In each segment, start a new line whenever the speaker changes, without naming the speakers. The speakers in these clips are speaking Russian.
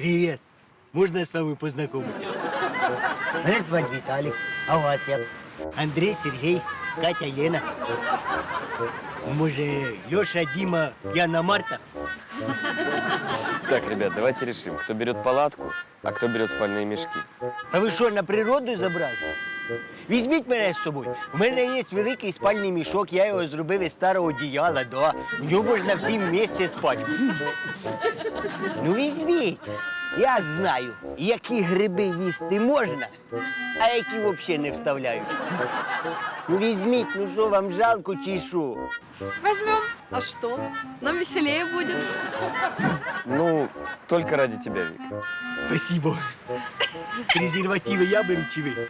Привет. Можно с вами познакомиться? Меня зовут Виталик. А вас я? Андрей, Сергей, Катя, Лена. Может, Леша, Дима, Яна, Марта?
Так, ребят, давайте решим, кто берет палатку, а кто берет спальные мешки.
А ви що, на природу забрали? Візьміть мене з собою. У мене є великий спальний мішок, я його зробив із старого одіяла, да. В ньому можна всім вместе спати. Ну візьміть. Я знаю, які гриби їсти можна, а які взагалі не вставляють. Ну візьміть, ну що, вам жалко чи що?
Возьмем. А что? Нам веселее будет.
Ну, только ради тебя, Вика.
Спасибо. Презервативи я беру чи ви?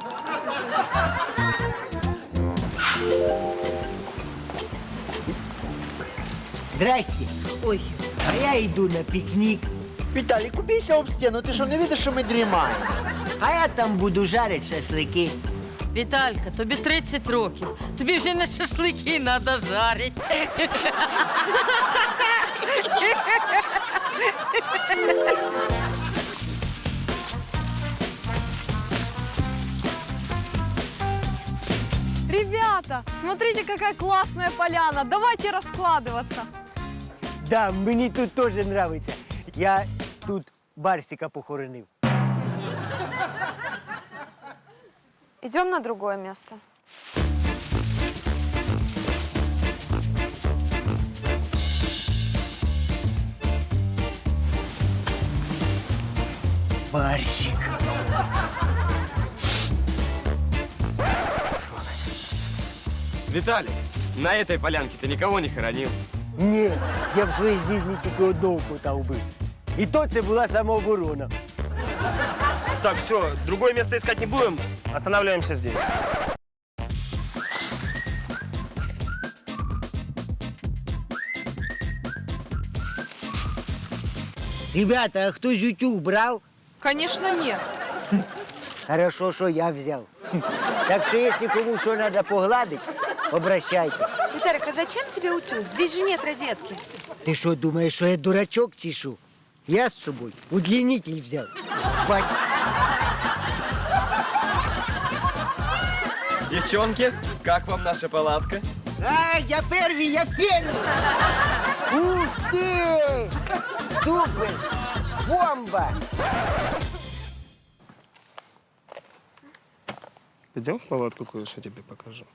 Здрасте.
Ой,
А я йду на пікнік.
Віталій, купися об стіну, ти що не видиш, що ми дрімаємо?
А я там буду жарити шашлики.
Віталька, тобі 30 років. Тобі вже не шашлики треба жарити.
Ребята, смотрите, какая классная поляна. Давайте раскладываться.
Да, мені тут теж подобається. Я тут Барсика похоронив.
Идем на другое место.
Барсик.
Виталий, на этой полянке ты никого не хоронил?
Ні, я в своїй житті тільки одного кота вбив. І то це була самооборона.
Так, все, другое место искать не будем. Останавливаемся здесь.
Ребята, а хтось утюг брав?
Конечно, нет.
Хорошо, що я взяв. Так що, якщо кому що треба погладити, обращайте.
Виталик, а зачем тебе утюг? Здесь же нет розетки.
Ти що, думаєш, що я дурачок чи що? Я з собою удлінитель взяв. Бать.
Девчонки, как вам наша палатка?
А, я первый, я первый! Ух ты! Супер! Бомба!
Идем в палатку, кое-что тебе покажу.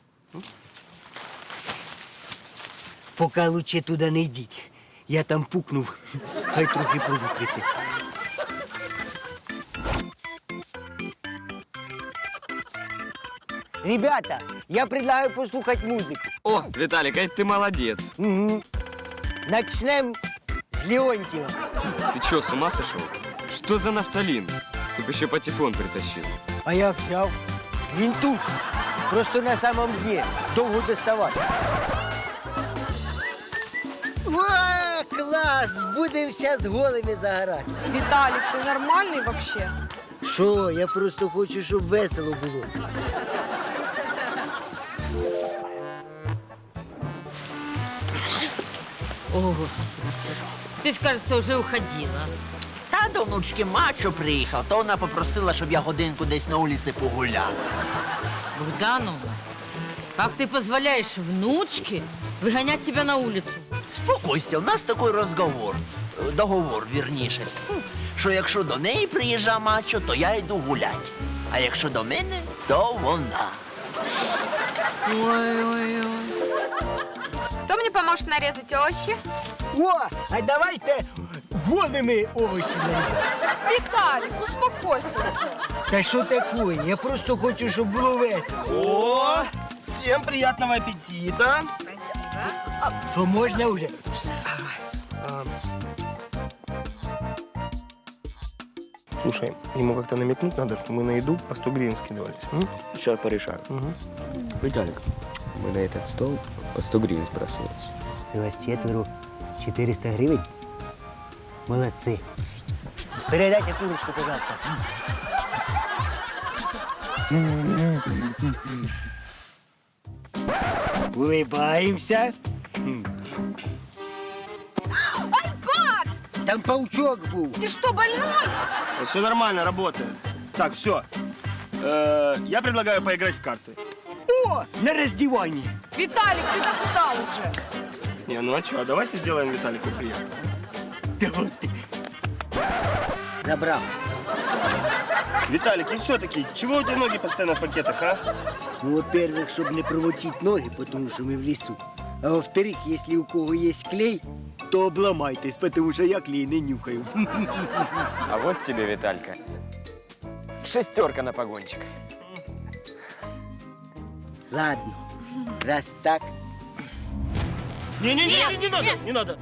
Поки лучше туди не йдіть. Я там пукнув, хай трохи провітриться. Ребята, я предлагаю послухати музику.
О, Виталик, а ты молодец.
Угу. Начнем з Леонтьева.
Ты что, с ума сошел? Что за нафталин? Ты бы еще патефон притащил.
А я взяв. Він тут. Просто на самом дні. Довго доставати. О, клас! Будемо зараз голими загорати.
Виталик, ты нормальный вообще?
Що? Я просто хочу, щоб весело було.
О, Господи. Ти ж, кажется, вже уходила.
Та до внучки мачо приїхав, то вона попросила, щоб я годинку десь на вулиці погуляв.
Богдановна, как ты позволяешь внучке выгонять тебя на улицу?
Спокойся, у нас такий розговор, договор, вірніше, що якщо до неї приїжджа мачо, то я йду гулять. А якщо до мене, то вона.
Ой-ой-ой.
Кто мне поможет нарезать овощи?
О, а давайте голими овочі нарізати.
Виталик, успокойся уже.
Та що таке? Я просто хочу, щоб було весело.
О, всем приятного аппетита.
Що можна вже?
Слушай, ему как-то намекнуть надо, что мы на еду по 100 гривен скидывались.
Сейчас порешаю. Виталик, мы на этот стол по 100 гривен сбрасывались.
Це вас четверо, 400 гривень? Молодці. Передайте курочку, пожалуйста. Улыбаємося. Там паучок був.
Ты что, больной?
Все нормально, работает. Так, все. Я предлагаю поиграть в карты.
О, на роздіванні.
Виталик, ты достал уже.
Не, ну а что, давайте сделаем Виталику приятно.
Давайте. Забрав.
Виталик, и все-таки, чего у тебя ноги постоянно в пакетах, а?
Ну, во-первых, щоб не промочить ноги, потому що ми в лісу. А во-вторых, если у кого есть клей, то обломайтесь, потому что я клей не нюхаю.
А вот тебе, Виталька, 6 на погончик.
Ладно, раз так,
Не надо.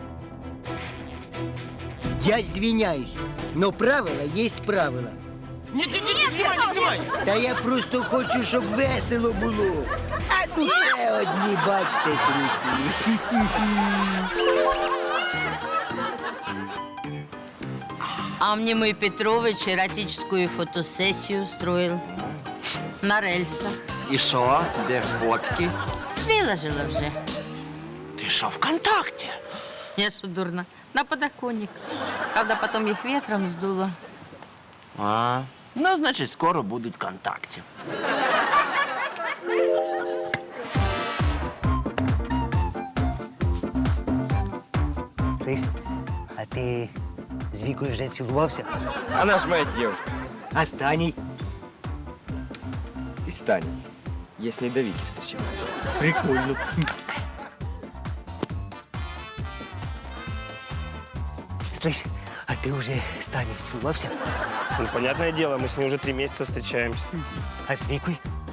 я извиняюсь, но правила есть правила.
Не снимай.
Та я просто хочу, щоб весело було. А тут ще одні, бачите, трусі.
А мне мой Петрович эротическую фотосессию устроил. На рельсах.
І що? Де фотки?
Выложила уже.
Ти що, ВКонтакте?
Я что, дурно? На подоконник. Правда, потом их ветром сдуло.
А, ну, значить, скоро будуть ВКонтакте.
Слышь, а ти з Вікою вже цілувався?
Она ж моя девушка.
А з Таней?
И с Таней. Я с ней до Вики встречался.
Прикольно. Слышь, а ти вже з Таней цілувався?
Ну, понятное дело, мы с ней уже 3 месяца встречаемся.
А з Вікою?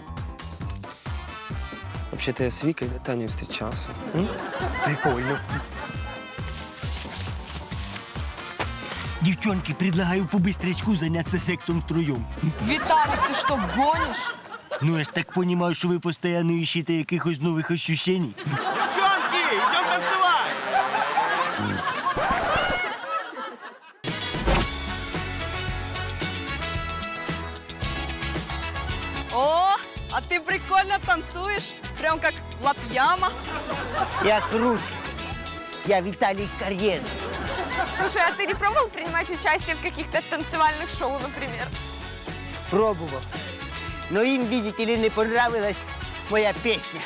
Вообще-то я с Викой до Таней встречался.
Прикольно. Девчонки, предлагаю по-быстрячку заняться сексом втроем.
Виталик, ты что, гонишь?
Ну, я ж так понимаю, что вы постоянно ищете якихось новых ощущений.
Девчонки, идем танцевать!
О, а ты прикольно танцуешь. Прям как Латьяма.
Я крут. Я Виталий Карьер.
Слушай, а ты не пробовал принимать участие в каких-то танцевальных шоу, например?
Пробовал. Но им, видите ли, не понравилась моя песня.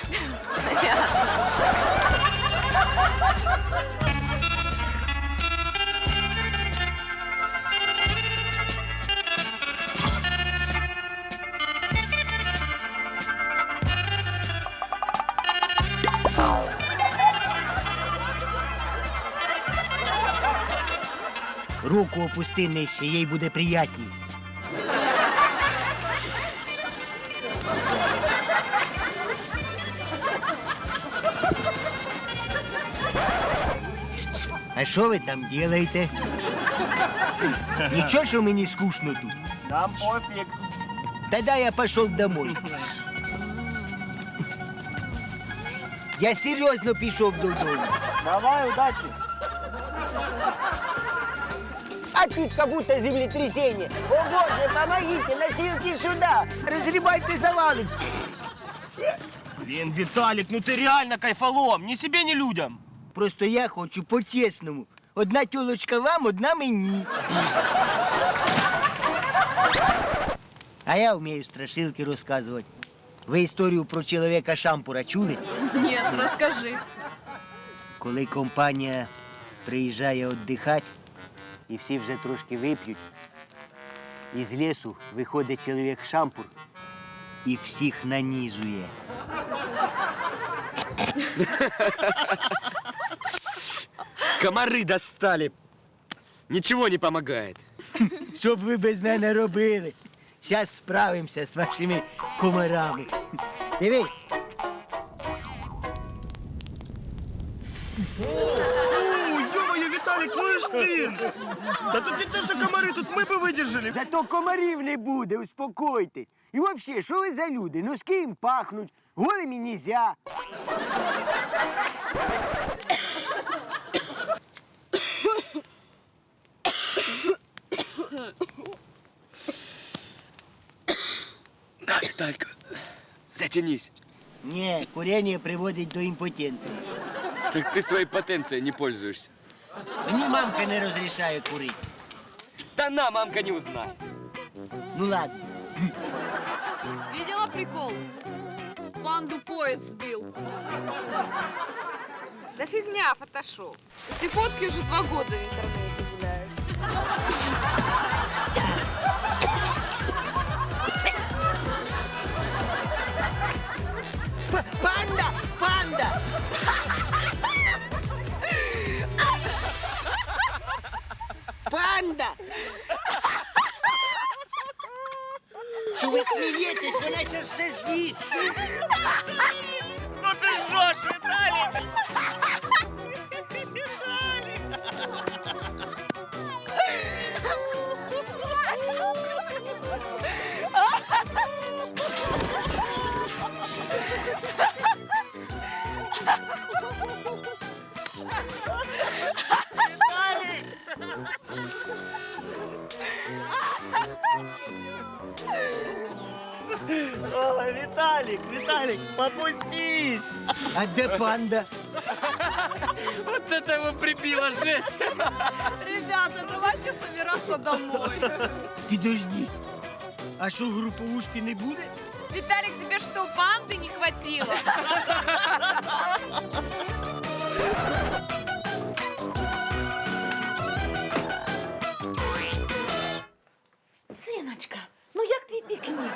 Руку опусти нижче, їй буде приятній. А що ви там робите? Нічого, що мені скучно тут.
Нам пофиг.
Тогда я пошел домой. Я серьезно пішов додому.
Давай, удачи.
А тут как будто землетрясение. О боже, помогите, носилки сюда. Разгребайте завалы.
Блин, Виталик, ну ты реально кайфолом. Ни себе, ни людям.
Просто я хочу по-чесному. Одна тёлочка вам, одна мені. А я вмію страшилки розказувати. Ви історію про чоловіка Шампура чули?
Нет, расскажи.
Коли компанія приїжджає віддихати, і всі вже трошки вип'ють, із лісу виходить чоловік Шампур і всіх нанізує.
Комары достали. Ничего не помогает.
Що б ви без мене робили? Зараз справимося з вашими комарами. Дивись.
Ё-моё, Виталик, ну и ж ты! Да тут не то, что комары, тут мы бы выдержали.
Зато комарів не буде, успокойтесь. І взагалі, що ви за люди? Носки їм пахнуть, голими нельзя.
На, Виталька, затянись.
Ні, курення приводить до імпотенції.
Так ты своей потенцией не пользуешься.
Мені мамка не розрішає курити.
Да на, мамка не узнает.
Ну ладно.
Видела прикол? Панду поезд сбил.
Да фигня, фотошоп. Эти фотки уже 2 года в интернете гуляют.
Панда! Панда! Панда! Чого ви смієтесь? Вона ще все з'їсть.
Ну ти жжеш, Віталік! О, Виталик, попустись!
А де панда?
Вот это его прибило, жесть.
Ребята, давайте собираться домой.
Підождіть. А що, груповушки не буде?
Виталик, тебе что, панды не хватило?
Синочка, ну як твій пікнік?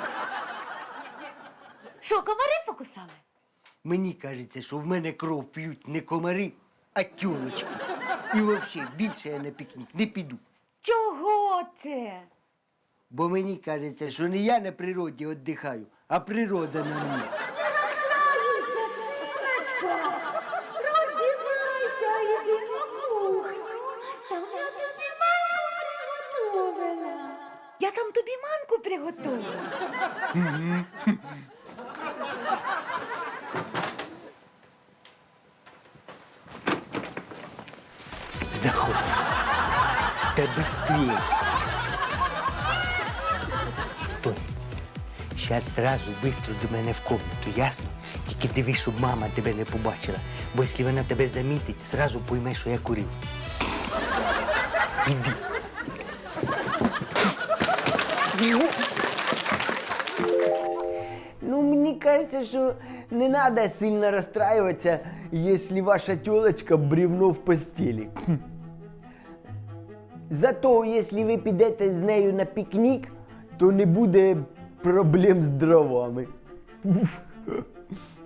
Що, комари покусали?
Мені кажеться, що в мене кров п'ють не комари, а тюлочки. І взагалі більше я на пікнік не піду.
Чого це?
Бо мені кажеться, що не я на природі віддихаю, а природа на мені.
Не розстраюйся, синочка. Роздівайся, йди на кухню. Там я тобі манку приготувала. Я там тобі манку приготувала.
Заходь. Та быстрее. Стой. Сейчас сразу быстро до мене в комнату, ясно? Тільки дивись, щоб мама тебе не побачила. Бо якщо вона тебе замітить, сразу пойме, що я курив. Іди. Бігу. Ну, мені кажется, що не надо сильно расстраиваться, если ваша тёлочка бревно в постели. Зато, если ви підете з нею на пікнік, то не буде проблем з дровами.